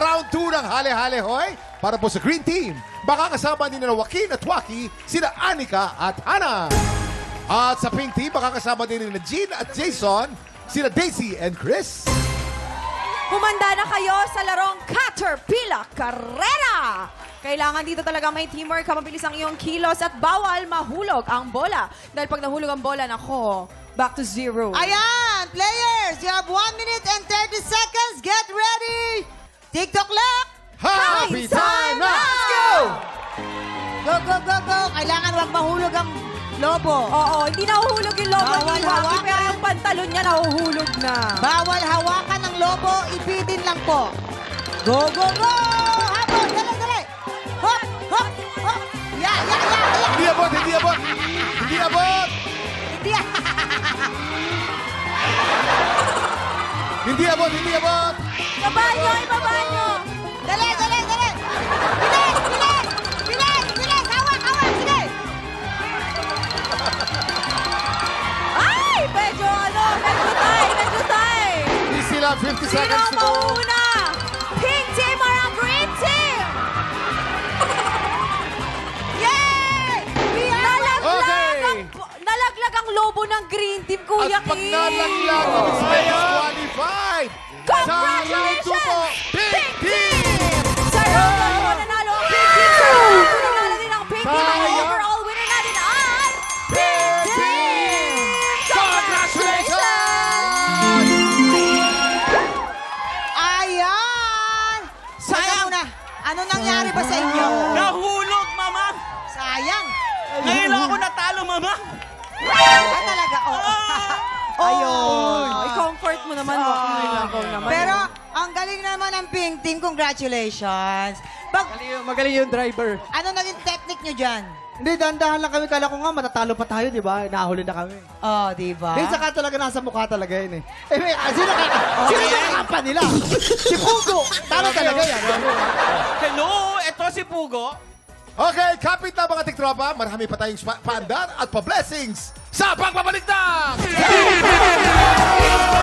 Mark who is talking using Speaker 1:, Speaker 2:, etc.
Speaker 1: round 2 ng Hale-Hale Hoy. Para po sa Green Team, makakasama din na Joaquin at Waki, sina Anika at Hana. At sa Pink Team, makakasama din na Jean at Jason, sina Daisy and Chris.
Speaker 2: Humanda na kayo sa larong Caterpillar Carrera! Kailangan dito talaga may teamwork, mabilis ang iyong kilos at bawal mahulog ang bola. Dahil pag nahulog ang bola, nako, back to zero.
Speaker 3: Ayan, players, you have 1 minute and 30 seconds. Get ready! TikTok clock!
Speaker 1: Happy time na!
Speaker 3: Let's go! Go, go, go, go! Kailangan wag mahulog ang lobo.
Speaker 2: Oo, hindi nahuhulog yung lobo
Speaker 3: Bawal
Speaker 2: ni Waki,
Speaker 3: hawakan.
Speaker 2: pero yung pantalon niya nahuhulog na.
Speaker 3: Bawal hawakan ng lobo, ipitin lang po. Go, go, go! Habol, dali, dali! Hop, hop, hop! Yeah, yeah, yeah, yeah!
Speaker 1: Hindi abot, hindi abot! Hindi abot!
Speaker 3: Hindi,
Speaker 1: Hindi abot, hindi abot!
Speaker 2: Ibaba nyo, ibaba nyo!
Speaker 3: dali, dali, dali! Bilis, bilis! Bilis, bilis! Hawak, hawak! Sige!
Speaker 2: Ay! Medyo tay!
Speaker 1: Easy lang, 50
Speaker 2: Sino
Speaker 1: seconds
Speaker 2: ang
Speaker 1: to go.
Speaker 2: mauuna? Pink team or ang green team?
Speaker 3: Yay! We are
Speaker 2: Nalaglag ang lobo ng green team, Kuya
Speaker 1: At pag
Speaker 2: Kim.
Speaker 1: nalaglag, ibig sabihin disqualified. Sa round 2 po, Pink Team!
Speaker 2: Sa round 1 po, nanalo ang pink team. Sa round 2, nanalo din ang pink team. Ang
Speaker 1: Sayang.
Speaker 2: overall winner natin ay Pink Team!
Speaker 1: Congratulations!
Speaker 3: Ayan! Sayang na. Ano nangyari ba sa inyo?
Speaker 4: Nahulog, mama!
Speaker 3: Sayang.
Speaker 4: Ngayon lang ako natalo, mama!
Speaker 3: Ah, talaga, oh.
Speaker 2: Ayun. I-comfort mo naman, Waki. Ikaw naman.
Speaker 3: Pero, ang galing naman ng Pink Team. Congratulations.
Speaker 5: Magaling yung driver.
Speaker 3: Ano naging technique nyo dyan?
Speaker 5: Hindi, dahan-dahan lang kami. Kala ko nga, matatalo pa tayo, di ba? Nahuli na kami.
Speaker 3: Oh, di ba?
Speaker 5: Hindi, saka talaga nasa mukha talaga yun eh. Eh, may, sino kakakampa nila? Si Pugo! Tama talaga yan.
Speaker 4: Hello, ito si Pugo.
Speaker 1: Okay, kapit na mga tiktropa. Marami pa tayong paandar at pa-blessings sa pagbabalik ng